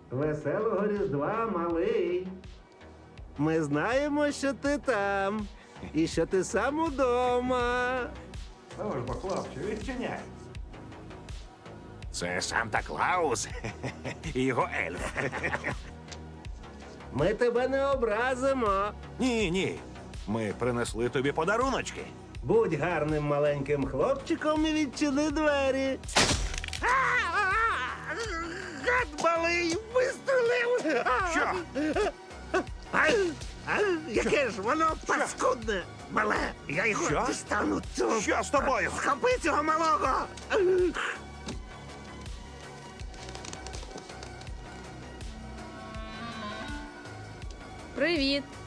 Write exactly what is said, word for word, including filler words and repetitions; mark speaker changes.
Speaker 1: Веселого Різдва, малий. Ми знаємо, що ти там. І що ти сам удома.
Speaker 2: Ну ж бо, хлопче, відчиняй.
Speaker 3: Це Санта-Клаус і його ельф.
Speaker 1: Ми тебе не образимо.
Speaker 3: Ні, ні. Ми принесли тобі подаруночки.
Speaker 1: Будь гарним маленьким хлопчиком і відчини двері. Гад малий вистрелив!
Speaker 3: Що?
Speaker 1: А, а, яке ж воно паскудне! Мале, я його
Speaker 3: Що?
Speaker 1: дістану цього.
Speaker 3: Що з тобою?
Speaker 1: Схопи цього малого!
Speaker 4: Привіт!